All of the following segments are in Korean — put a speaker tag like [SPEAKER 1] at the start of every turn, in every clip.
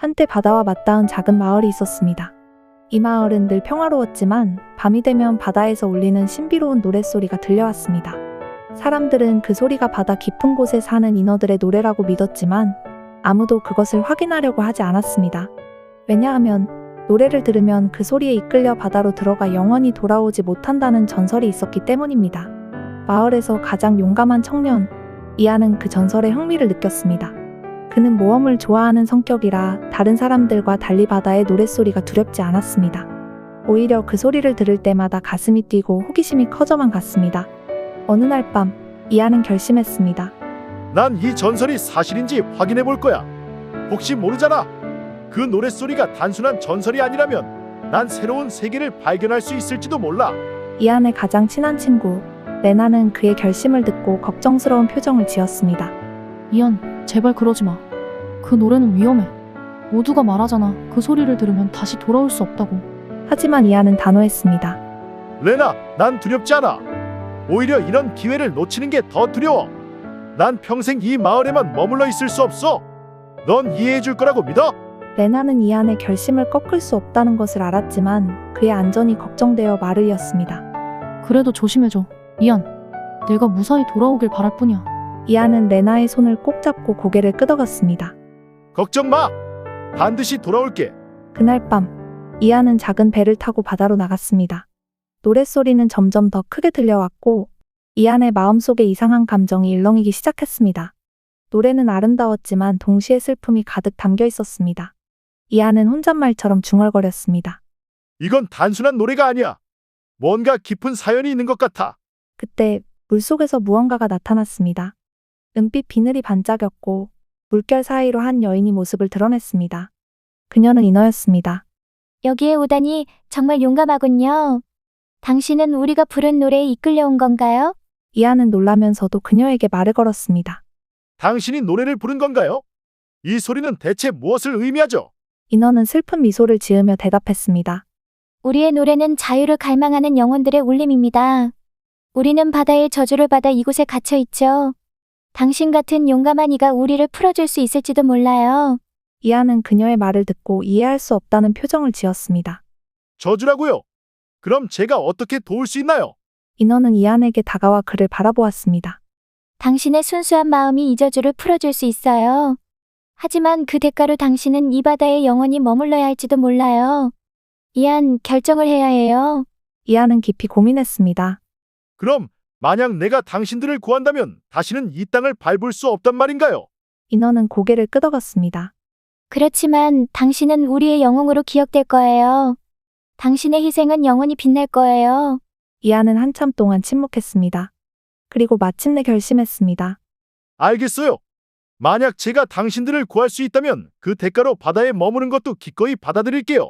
[SPEAKER 1] 한때 바다와 맞닿은 작은 마을이 있었습니다. 이 마을은 늘 평화로웠지만 밤이 되면 바다에서 울리는 신비로운 노랫소리가 들려왔습니다. 사람들은 그 소리가 바다 깊은 곳에 사는 인어들의 노래라고 믿었지만 아무도 그것을 확인하려고 하지 않았습니다. 왜냐하면 노래를 들으면 그 소리에 이끌려 바다로 들어가 영원히 돌아오지 못한다는 전설이 있었기 때문입니다. 마을에서 가장 용감한 청년, 이안은 그 전설에 흥미를 느꼈습니다. 그는 모험을 좋아하는 성격이라 다른 사람들과 달리 바다의 노랫소리가 두렵지 않았습니다. 오히려 그 소리를 들을 때마다 가슴이 뛰고 호기심이 커져만 갔습니다. 어느 날 밤, 이안은 결심했습니다.
[SPEAKER 2] 난 이 전설이 사실인지 확인해 볼 거야. 혹시 모르잖아. 그 노랫소리가 단순한 전설이 아니라면 난 새로운 세계를 발견할 수 있을지도 몰라.
[SPEAKER 1] 이안의 가장 친한 친구, 레나는 그의 결심을 듣고 걱정스러운 표정을 지었습니다.
[SPEAKER 3] 이안, 제발 그러지 마. 그 노래는 위험해. 모두가 말하잖아. 그 소리를 들으면 다시 돌아올 수 없다고.
[SPEAKER 1] 하지만 이안은 단호했습니다.
[SPEAKER 2] 레나, 난 두렵지 않아. 오히려 이런 기회를 놓치는 게 더 두려워. 난 평생 이 마을에만 머물러 있을 수 없어. 넌 이해해 줄 거라고 믿어.
[SPEAKER 1] 레나는 이안의 결심을 꺾을 수 없다는 것을 알았지만 그의 안전이 걱정되어 말을 이었습니다.
[SPEAKER 3] 그래도 조심해줘. 이안, 내가 무사히 돌아오길 바랄 뿐이야.
[SPEAKER 1] 이안은 레나의 손을 꼭 잡고 고개를 끄덕였습니다.
[SPEAKER 2] 걱정 마. 반드시 돌아올게.
[SPEAKER 1] 그날 밤, 이안은 작은 배를 타고 바다로 나갔습니다. 노랫소리는 점점 더 크게 들려왔고 이안의 마음속에 이상한 감정이 일렁이기 시작했습니다. 노래는 아름다웠지만 동시에 슬픔이 가득 담겨 있었습니다. 이안은 혼잣말처럼 중얼거렸습니다.
[SPEAKER 2] 이건 단순한 노래가 아니야. 뭔가 깊은 사연이 있는 것 같아.
[SPEAKER 1] 그때 물속에서 무언가가 나타났습니다. 은빛 비늘이 반짝였고 물결 사이로 한 여인이 모습을 드러냈습니다. 그녀는 인어였습니다.
[SPEAKER 4] 여기에 오다니 정말 용감하군요. 당신은 우리가 부른 노래에 이끌려온 건가요?
[SPEAKER 1] 이안은 놀라면서도 그녀에게 말을 걸었습니다.
[SPEAKER 2] 당신이 노래를 부른 건가요? 이 소리는 대체 무엇을 의미하죠?
[SPEAKER 1] 인어는 슬픈 미소를 지으며 대답했습니다.
[SPEAKER 4] 우리의 노래는 자유를 갈망하는 영혼들의 울림입니다. 우리는 바다의 저주를 받아 이곳에 갇혀 있죠. 당신 같은 용감한 이가 우리를 풀어줄 수 있을지도 몰라요.
[SPEAKER 1] 이안은 그녀의 말을 듣고 이해할 수 없다는 표정을 지었습니다.
[SPEAKER 2] 저주라고요? 그럼 제가 어떻게 도울 수 있나요?
[SPEAKER 1] 인어는 이안에게 다가와 그를 바라보았습니다.
[SPEAKER 4] 당신의 순수한 마음이 이 저주를 풀어줄 수 있어요. 하지만 그 대가로 당신은 이 바다에 영원히 머물러야 할지도 몰라요. 이안, 결정을 해야 해요.
[SPEAKER 1] 이안은 깊이 고민했습니다.
[SPEAKER 2] 그럼 만약 내가 당신들을 구한다면 다시는 이 땅을 밟을 수 없단 말인가요?
[SPEAKER 1] 인어는 고개를 끄덕였습니다.
[SPEAKER 4] 그렇지만 당신은 우리의 영웅으로 기억될 거예요. 당신의 희생은 영원히 빛날 거예요.
[SPEAKER 1] 이안은 한참 동안 침묵했습니다. 그리고 마침내 결심했습니다.
[SPEAKER 2] 알겠어요. 만약 제가 당신들을 구할 수 있다면 그 대가로 바다에 머무는 것도 기꺼이 받아들일게요.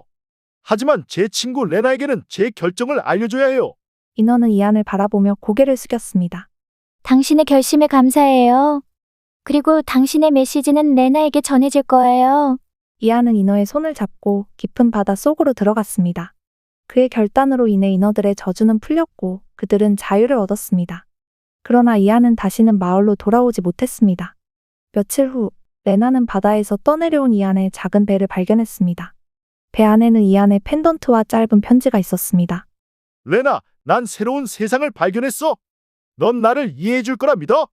[SPEAKER 2] 하지만 제 친구 레나에게는 제 결정을 알려줘야 해요.
[SPEAKER 1] 인어는 이안을 바라보며 고개를 숙였습니다.
[SPEAKER 4] 당신의 결심에 감사해요. 그리고 당신의 메시지는 레나에게 전해질 거예요.
[SPEAKER 1] 이안은 인어의 손을 잡고 깊은 바다 속으로 들어갔습니다. 그의 결단으로 인해 인어들의 저주는 풀렸고 그들은 자유를 얻었습니다. 그러나 이안은 다시는 마을로 돌아오지 못했습니다. 며칠 후 레나는 바다에서 떠내려온 이안의 작은 배를 발견했습니다. 배 안에는 이안의 펜던트와 짧은 편지가 있었습니다.
[SPEAKER 2] 레나, 난 새로운 세상을 발견했어. 넌 나를 이해해 줄 거라 믿어.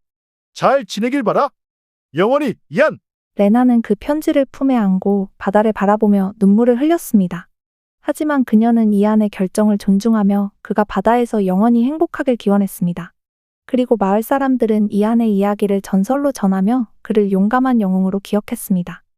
[SPEAKER 2] 잘 지내길 바라. 영원히, 이안.
[SPEAKER 1] 레나는 그 편지를 품에 안고 바다를 바라보며 눈물을 흘렸습니다. 하지만 그녀는 이안의 결정을 존중하며 그가 바다에서 영원히 행복하길 기원했습니다. 그리고 마을 사람들은 이안의 이야기를 전설로 전하며 그를 용감한 영웅으로 기억했습니다.